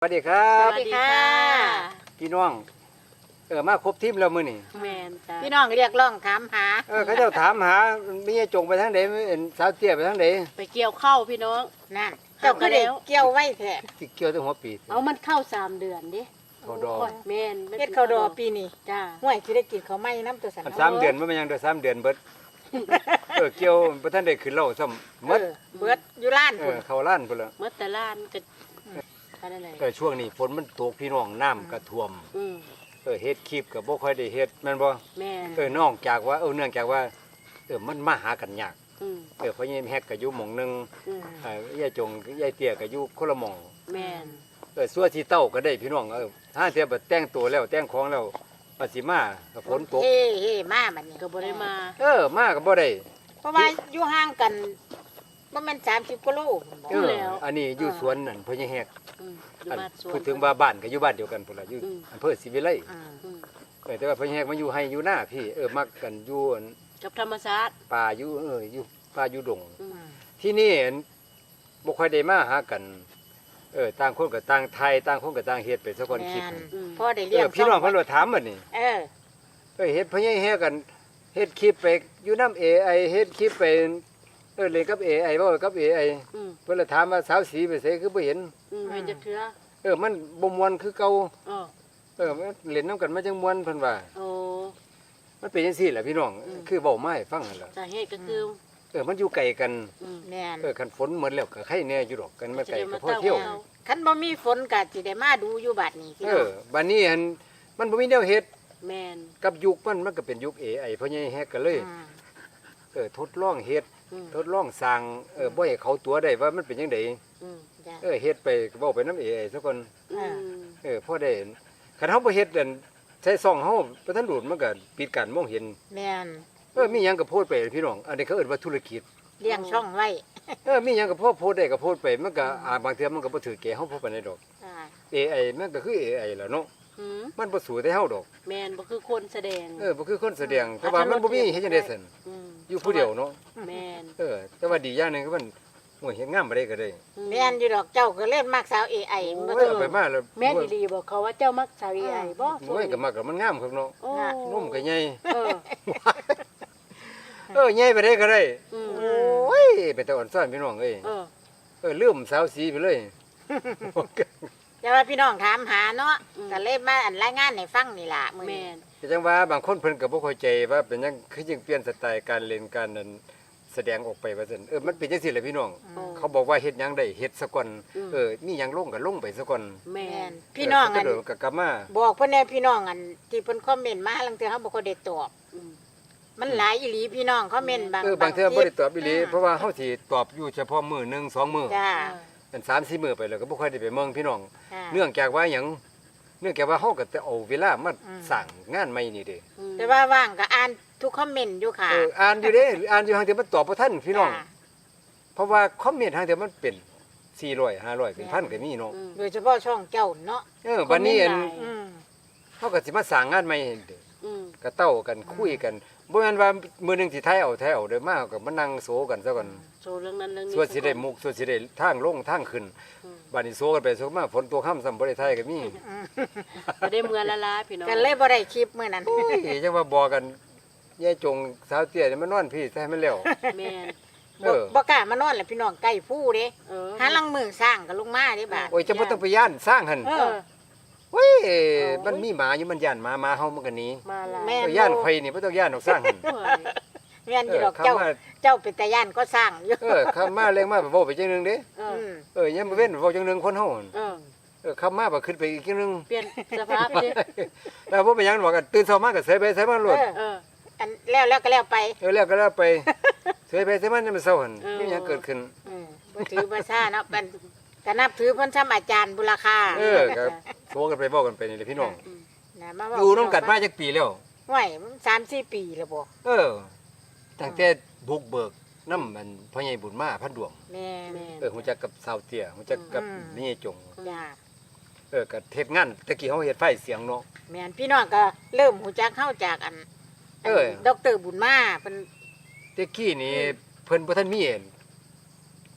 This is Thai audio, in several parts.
สวัสดีครัสบวัสดีค่ะพี่น้องมาครบทีมแล้วมื้อนี้แมนจ้ะพี่น้องเรียกร้องถามหาเขาเจ้าถามหามีจงไปทางใดสาวเตี้ยไปทางใดไปเกี่ยวข้าวพี่น้องนั่นเจ้าก็ได้เกี่ยวไว้แท้สิเกี่ยวถึงหัวปีเอามันเข้า3 เดือนดิเขาดอกโยแมนเฮ็ดข้าวดอปีนี้จ้าห่วยสิได้กินข้าวไหม้น้ำตัวสันมัน3เดือนมันยังได้3เดือนเบิดเกี่ยวบ่ทันได้ขึ้นเล่าซ้ำหมดเบิดอยู่ร้าน พุ่นเข้าร้านพุ่นละเมื่อแต่ล้านก็อะไรไหนช่วงนี้ฝนมันตกพี่น้องน้ำก็ท่วมอืมเฮ็ดคลิปก็บ่ค่อยได้เฮ็ดแม่นบ่แมนนอกจากว่าเนื่องจากว่ามันมาหากันยากอืมเพราะยังแฮกก็อยู่หม่องหนึงอืมยายจงยายเตี้ยก็อยู่คนละหม่องแมนสั่วที่เต้าก็ได้พี่น้องถ้าเทียบแต่งตัวแล้วแต่งของแล้วปสิมากับฝนตกเฮ้เฮ้มาบัดนี้ก็บ่ได้มามาก็บ่ได้เพราะว่าอยู่ห่างกันบ่แม่น30กิโลพุ่นบ่อันนี้อยู่สวนนั่นเพิ่นยังแฮกอืมอยู่บ้านสวนพูดถึงว่าบ้านก็อยู่บ้านเดียวกันพุ่นล่ะอยู่อำเภอศรีวิไลอืมอืมแต่ว่าเพิ่นแฮกมาอยู่ให้อยู่หน้าพี่มักกันอยู่กับธรรมชาติป่าอยู่อยู่ป่าอยู่ดงอืมที่นี่บ่ค่อยได้มาหากันต่างคนก็ต่างไทยต่างคนก็ต่างเฮ็ดไปซะก่อนคิดแม่นอืมพอได้เลี้ยงพี่น้องเพิ่นว่าถามบัดนี้ เฮ็ดเพิ่นยังแฮกกันเฮ็ดคลิปไปอยู่นำ AI เฮ็ดคลิปไปเล่นกับ AI เว้ากับ AI อืมเพิ่นเลยถามว่าสาวสีไปไสคือบ่เห็นอืมเห็นจักเทื่อมันบ่ม่วนคือเก่าอ๋อมันเล่นนํกันมาจังม่วนเพิ่นว่าโอ้มันเป็นจังซี่แหละพี่น้องอืมคือเว้ามาให้ฟังนั่นล่ะสาเหตุก็คือมันอยู่ไกลกันอืมแม่นคันฝนหมดแล้วก็ใครแน่อยู่ดอกกันมาไกลก็พอจะได้มาเที่ยวเต้าคันบ่มีฝนก็สิได้มาดูอยู่บัดนี้พี่น้องบัดนี้มันบ่มีแนวเฮ็ดแมนกับยุคมันก็เป็นยุค AI เพราะยังแฮกกันเลยอืมทดลองเฮ็ดอืมทดลองสร้างบ่ให้เขาตัวได้ว่ามันเป็นจังไดอืมจ้ะเฮ็ดไปเว้าไปนำ AI ซะก่อนอืมพอได้คันเฮาบ่เฮ็ดนั่นใช้ซ่องเฮาบ่ทันดูดมันก็ปิดการมองเห็นแม่นมีหยังก็โพสต์ไปพี่น้องอันนี้เขาเอิ้นว่าธุรกิจเลี้ยงช่องไว้มีหยังก็โพสต์ได้ก็โพสต์ไปมันก็บางเทื่อมันก็บ่ถือแก่เฮาพอปานใดดอกอ่า AI มันก็คือ AI ล่ะเนาะอืมมันบ่สู้แต่เฮาดอกแมนบ่คือคนแสดงบ่คือคนแสดงแต่ว่ามันบ่มีเฮ็ดจังได๋ซั่นอืมอยู่ผู้เดียวเนาะแมนแต่ว่าดีอย่างหนึงคือมันโอ้ยเฮ็ดงามบ่ได้ก็ได้แม่นอยู่ดอกเจ้าก็เล่นมากสาว AI โอ้บ่ยถึงเอาไปมาแล้วแม่นดีๆบอกเขาว่าเจ้ามักสาวใหญ่บ่โอ้ยก็มักก็มันงามครับเนาะโอ้นมก็ใหญ่เออใหญ่ไปได้ก็ได้อืมโอ้ยเป็นตาอ่อนซ่อนพี่น้องเอ้ยเออลืมสาวสีไปเลยแต่ว่าพี่น้องถามหาเนาะก็เลยมาอันรายงานให้ฟังนี่ล่ะมื้อแมนี้นแต่จังว่าบางคนเพิ่นก็บ่เข้าใจว่าเป็นหยังคือจึงเปลี่ยนสไตล์การเล่นการนั้นแสดงออกไปว่าซั่นมันเป็นจังซี่แหละพี่น้อง เขาบอกว่าเฮ็ดหยังได้เฮ็ดซะก่อนมีหยังลงก็ลงไปซะก่อนแมแม่นนพี่น้องก็อันเดี๋ยวก็กลับมาบอกเพิ่นแน่พี่น้องอันที่เพิ่นคอมเมนต์มาลังเทื่อเฮาบ่ค่อยได้ตอบอืมมันหลายอีหลีพี่น้องคอมเมนต์บางบางเทื่อบ่ได้ตอบอีหลีเพราะว่าเฮาสิตอบอยู่เฉพาะมื้อ1 2มื้อจ้าเป็น3-4มื้อไปแล้วก็บ่ค่อยได้ไปเมืองพี่น้องค่ะเนื่องจากว่าหยังเนื่องจากว่าเฮาก็จะเอาเวลามาสร้างงานใหม่นี่เด้อืมแต่ว่าว่างก็อ่านทุกคอมเมนต์อยู่ค่ะอ่านอยู่เด้อ่านอยู่ทางเดียวมันตอบบ่ทันพี่น้องจ้าเพราะว่าคอมเมนต์ทางเดียวมันเป็น400 500เป็นพันก็มีเนาะอืมโดยเฉพาะช่องเจ้าเนาะบัดนี้คอมเมนต์หลายอืมเฮาก็สิมาสร้างงานใหม่เด้อืมก็เต้ากันคุยกันบ่แม่นว่ามื้อหนึงสิถ่ายเอาเด้อมาก็มานั่งโซกันซะก่อนโชว์เรื่องนั้นเรื่องนี้ส่วนสิได้มุกส่วนสิได้ทางลงทางขึ้นอืมบัดนี้โซกันไปโซมาฝนตกค่ำซ้ำบ่ได้ถ่ายก็มีจะได้เมือละลาพี่น้องกันเลยบ่ได้คลิปมื้อนั้นโอ้ยจังว่าบอกกันยายจงสาวเตี้ยนี่มันนอนพี่ใส่มันแล้วแมนบ่กล้ามานอนแหละพี่น้องใกล้ผู้เด้เออหาลังมือสร้างก็ลงมาเด้บาดโอ้ยจะบ่ต้องไปย่านสร้างหั่นเอเอออเว้ยมันมีหมาอยู่มันย่านหมาเฮามันก็หนีมาละแม่ย่านไผนี่บ่ต้องย่านออกสร้างหั่นโอ้ยแม่นอยู่ดอกเข้าเจ้ามาเจ้าเป็นตาย่านก็สร้างอยู่เข้ามาเร่งมาเว้าไปจังนึงเด้เออือมยามมื้อเว้นเว้าจังนึงคนเฮาหั่นเออเข้ามาบ่ขึ้นไปอีกจังนึงเปลี่ยนสภาพดิแล้วบ่เป็นหยังบอกกันตื่นเช้ามาก็เสยไปเสยมาโลดเอออันแล้วก็แล้วไปแล้วก็แล้วไปเสยไปเสยมาจะมันเช้าหั่นมีหยังเกิดขึ้นบ่ถือบ่ซ่าเนาะเป็นก็นับถือเพิ่นซ้ำอาจารย์บุรคาก็โทรกันไปเว้ากันไปนี่แหละพี่น้องนะมาเว้าอยู่นํกันมาจักปีแล้วห้วยมัน3-4 ปีแล้วบ่ตั้งแต่บุกเบิกน้ำมันพ่อใหญ่บุญมาพันดวงแม่แม่นฮู้จักกับสาวเตี้ยฮู้จักกับนี่จงจ้าก็เฮ็ดงานตะกี้เฮาเฮ็ดไฟเสียงเนาะแม่นพี่น้องก็เริ่มฮู้จักเฮาจากอันดรบุญมาเพิ่นตะกี้นี่เพิ่นบ่ทันมี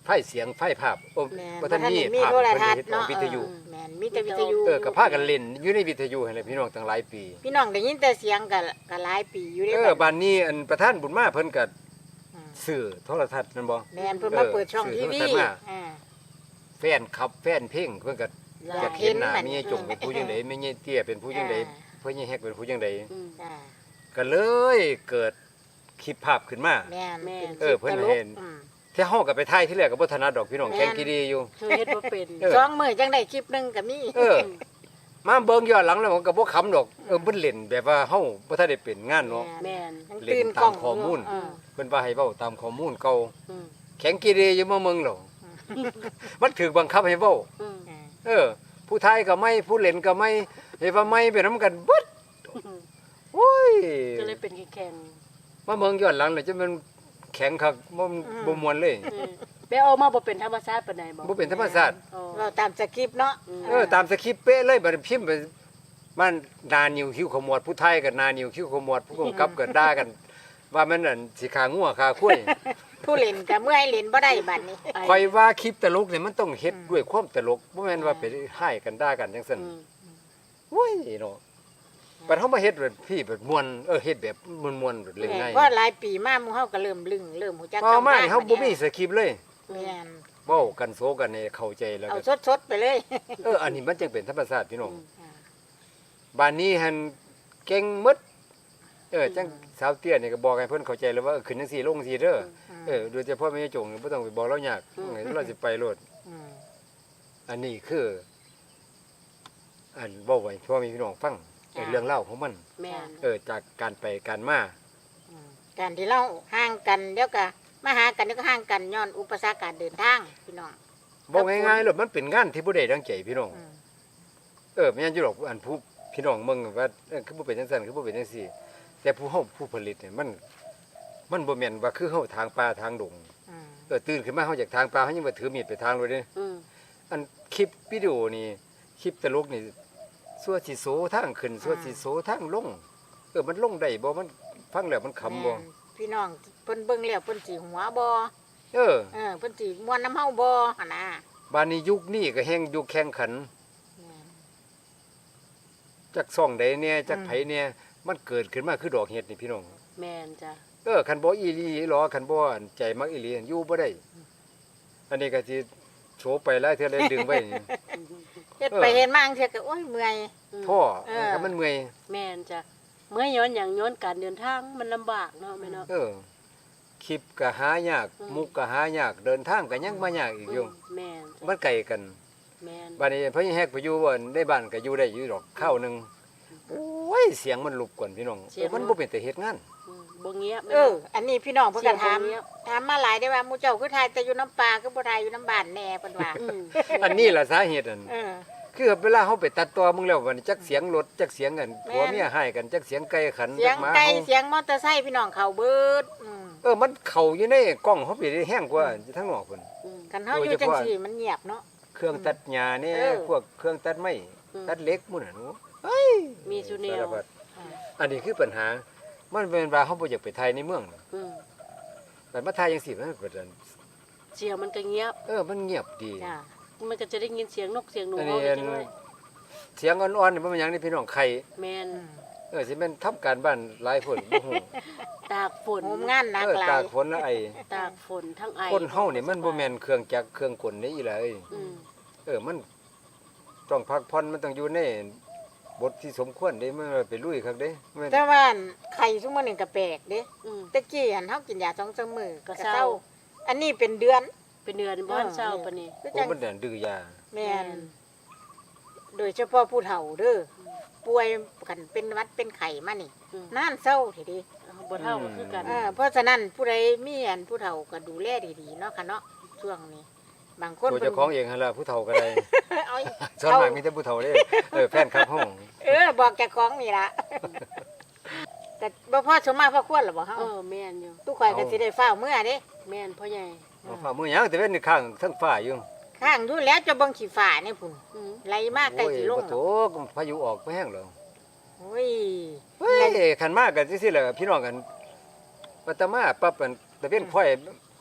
ไฟเสียงไฟภาพโอ้แม่นบ่ทันมีมีภาพโทรเพิ่นทัศน์เฮ็ดออกเนาะวิทยุแม่นมีแต่วิทยุก็พากันเล่นอยู่ในวิทยุหั่นแหละพี่น้องตั้งหลายปีพี่น้องได้ยินแต่เสียงก็หลายปีอยู่เด้บ้านนี้อันประธานบุญมาเพิ่นก็อืมซื้อโทรทัศน์นั่นบ่แม่นเพิ่นมาเปิดช่องทีวีซื้อโทรทัศน์มาอ่าแฟนคลับแฟนเพลงเพิ่นก็ออยากากเห็นหน้าเห็นมันแม่ใหญ่จงเป็นผู้จังได๋แม่ใหญ่เตี้ยเป็นผู้จังได๋เพิ่นใหญ่แฮกเป็นผู้จังได๋อืมจ้าก็เลยเกิดคลิปภาพขึ้นมาแม่นแม่นป็คลิปเพิ่นตลกเห็น ที่เฮาก็ไปถ่ายที่แรกก็บ่ถนัดดอกพี่น้องแม่นแข่งกีดีอยู่เธอเฮ็ดบ่เป็นเออสองมื้อจังได้คลิปหนึงก็มีมาเบิ่งย้อนหลังแล้วมันก็บ่ขำดอกเพิ่นเล่นแบบว่าเฮาบ่ทันได้เป็นงานเนาะแม่นยังเล่นตื่นตากล้มองข้อมูลยู่เพิ่นว่าให้เว้าตามข้อมูลเก่าอืมแข่งกีดีอยู่มาเมืองหรอมันถูกบังคับให้เว้าอืมผู้ไทยก็ไม่ผู้เล่นก็ไม่เฮ็ดว่าไม่ไปนํกันเบิดโอ้ยก็เลยเป็นแข่งมาเมืองย้อนหลังแล้วจะมันแข็งคักบ่ม่วนเลยไปเอามาบ่เป็นธรรมชาติปานใดบ่บ่เป็นธรรมชาติอ๋อเราตามสคริปต์เนาะตามสคริปต์เป๊ะเลยบัดพิมพ์ไปมันนานิ้วคิ้วขมวดผู้ไทยก็นานิ้วคิ้วขมวดผู้กำกับก็ด่ากัน ว่ามันนั่นสิขางัวขาคุ้ยผู้เล่นก็เมื่อยเล่นบ่ได้บัดนี้คอยว่าคลิปตลกเนี่ยมันต้องเฮ็ดด้วยความตลกบ่แม่นว่าไปให้กันด่ากันจังซั่นอืมโอ้ยเนาะบัดเฮามาเฮ็ดแบบพี่แบบม่วนเฮ็ดแบบม่วนๆแบบเล่นง่ายเพราะหลายปีมาหมู่เฮาก็เริ่มลึงเริ่มฮู้จักพอมานี่เฮาบ่มีแสคริปต์เลยม่นเว้ากันโซกันให้เข้าใจแล้วเอาก็สดๆไปเลยอันนี้มันจึงเป็นธรรมชาติพี่น้องบ้านนี้หันเก่งหมดจังสาวเตี้ยนี่ก็บอกให้เพิ่นเข้าใจแล้วว่าขึ้นจังซี่ลงจังซี่เด้อโดยเฉพาะแม่จงบ่ต้องไปบอกเรายากเราสิไปโลดอืมอันนี้คือ อันเว้าไว้พ่อแม่พี่น้องฟังเรื่องเล่าวของมันแม่นจากการไปการมาอืมการที่เราห่างกันเดี๋ยวก็มาหากันเดี๋ยวก็ห่างกันย้อนอุปสรรคการเดินทางพี่น้องบอกง่ายๆโลดมันเป็นงานที่บ่ได้ดังใจพี่น้องอืมแม่นอยู่ดอกอันผู้พี่น้องเมืองว่าคือบ่เป็นจังซั่นคือบ่เป็นจังซี่ แต่ผู้เฮาผู้ผลิตเนี่ยมันบ่แม่นว่าคือเฮาทางป่าทางดงอืมตื่นขึ้นมาเฮาจากทางป่าเฮายังบ่ถือมีดไปทางเลยเด้อืมอันคลิปวิดีโอนี่คลิปตลกนี่สัวสิโสทางขึ้นสัวสิโสทางลงมันลงได้บ่มันฟังแล้วมันขำบ่แม่นพี่น้องเพิ่นเบิ่งแล้วเพิ่นสิหัวบ่เเพิ่นสิม่วนน้ำเฮาบ่หั่นน่ะบ้านนี้ยุคนี้ก็แฮ่งยุคแข่งขันแม่นจักซ่องใดเนี่ยจักไผเนี่ยมันเกิดขึ้นมาคือดอกเห็ดนี่พี่น้องแม่นจ้ะคันบ่อีหลีหรอคันบ่อันใจมักอีหลีอยู่บ่ได้ อันนี้ก็สิโชว์ไปหลายเทื่อเลยดึงไว้นี่เฮ็ดไปเฮ็ดมาจังซี่ก็โอ้ยเมื่อยท่อเออคันมันเมื่อยแม่นจ้ะเมื่อย้อนหยังย้อนการเดินทางมันลำบากเนาะแม่เนาะคลิปก็หายาก มุกก็หายากเดินทางก็ยังมายากอีกอยู่แม่นจ้ะมันไกลกันแม่นบ้านนี้เพิ่นแฮกไปอยู่บ่ในบ้านก็อยู่ได้อยู่ดอกข้าวหนึงโอ้ยเสียงมันรบกวนพี่น้องมันบ่เป็นแต่เฮ็ดงานบ่เงียบอันนี้พี่น้องเพิ่นก็ถามเสียงบ่เงียบถามมาหลายได้ว่าหมู่เจ้าคือทายแต่อยู่น้ำปลาคือบ่ทายอยู่น้ำบ้านแน่เพิ่นว่าอืมอันนี้ล่ะสาเหตุอันเออคือเวลาเฮาไปตัดต่อมึงแล้ววันจักเสียงรถจักเสียงกันแม่นผัวเมียให้กันจักเสียงไก่ขันเสียจังกหมาไก่เฮาเสียงมอเตอร์ไซค์พี่น้องเขาเบิดมันเข้าอยู่ในกล้องเฮาไปได้แห้งกว่าทั้งนอกพุ่นอืมกันเฮาอยู่จังซี่มันเงียบเนาะเครื่องตัดหญ้าเนี่ยเออพวกเครื่องตัดไม้อืมตัดเหล็กหมู่นั่นโอ้มีซุแนวสารพัดอันนี้คือปัญหา มันเป็นว่าเฮาบ่อยากไปไทยในเมืองอืมแต่มาไทยจังซี่มันก็เสียงมันก็เงียบมันเงียบดีจ้ามันก็จะได้ยินเสียงนกเสียงหนูอันเฮานี้จังได๋เสียงอ่อนๆนี่มันเป็นหยังนี่พี่น้องไข่แม่นสิแม่นทำการบ้านหลายคนบ่ฮู้ตากฝนโหมงานหนักหลาตาย กฝนและไอตากฝนทั้งไอคนเฮานี่มันบ่แม่นเครื่องจักรเครื่องกลนี่อีหละเอ้ยอืมมันต้องพักผ่อนมันต้องอยู่ในบทที่สมควรเด้มันไปลุยคักเด้แม่นแต่ว่าไข่ซุมื้อนึงก็แปลกเด้อืมตะกี้หันเฮากินยา2-3มื้อก็ก็เศร้าเศร้า อันนี้เป็นเดือนเป็นเดือนบ่ทันเช้าปานนี้คือโอ้จังมันน่ะดื้อยาแม่นโดยเฉพาะผู้เฒ่าเด้อป่วยกันเป็นหวัดเป็นไข้มานี่อืมนานเศร้าทีเดีบ่เท่าก็คือกันเพราะฉะนั้นผู้ใดมีอันผู้เฒ่าก็ดูแลดีๆเนาะค่ะเนาะช่วงนี้ บางคนตัวเจ้าของเองหั่นล่ะผู้เฒ่าก็ได้เอาส่วนมากมีแต่ผู้เฒ่าเด้แฟนคลับเฮาบอกเจ้าของนี่ล่ะแต่บ่พอสมมาพอควรหรอบ่เฮาแม่นอยู่ตู้ข่อยก็สิได้ฟ้าวเมื่อเด้แม่นพ่อใหญ่เอาฟ้ามื้อหยังแต่เว้นนี่ข้างทั้งฟ้าอยู่ข้างอยู่แล้วจะเบิ่งขี้ฟ้านี่พุ่นอืมไหลมากใกล้สิลงบ่โตพายุออกไปแห้งแล้วโอ้ยเฮ้ยคันมากกันจังซี่แหละพี่น้องกันปัตตมาปั๊บอันตะเว้นค่อย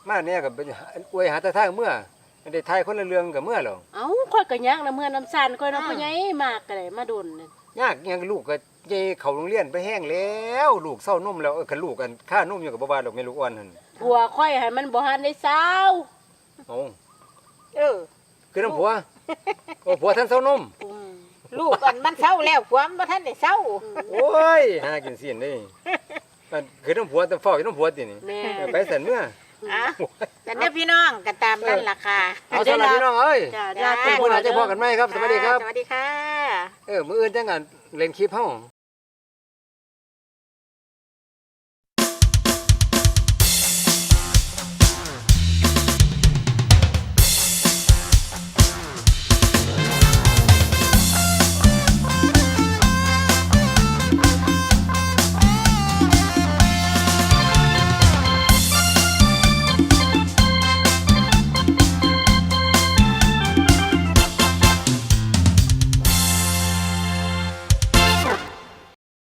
มาเนี่ยก็ไปอวยหาแต่ทางเมื่อได้ทายคนละเรื่องกับเมื่อหรอกเอ้าค่อยก็ยักนะเมื่อน้ำซ่านค่อยเนาะพ่อใหญ่มากก็ได้มาดุนนี่ยากยังลูกก็เจเข้าโรงเรียนไปแห้งแล้วลูกเศร้านมแล้วคันลูกกันค่านมอยู่กับบ่ว่าดอกแม่ลูกอ่อนหั่นผัวค่อยให้มันบ่ทันได้เศร้าเอ้าเออคือน้ำผัวโอ้ผัวท่านเศร้านมอืมลูกอันมันเศร้าแล้วความบ่ทันได้เศร้าโอ้ยหากินเสียนเด้มันคือน้ำผัวแต่ฟ้ออยู่น้ำผัวตินี่แม่ไปสั่นเมื่ออ่ะแต่เนี่ยพี่น้องก็ตามนั่นล่ะค่ะเอาสำหรับพี่น้องเอ้ยจ้าจ้าจ้าเป็นคนอาจจะพอกันไหมครับสวัสดีครับสวัสดีค่ะมื้ออื่นจังกันเล่นคลิปเฮา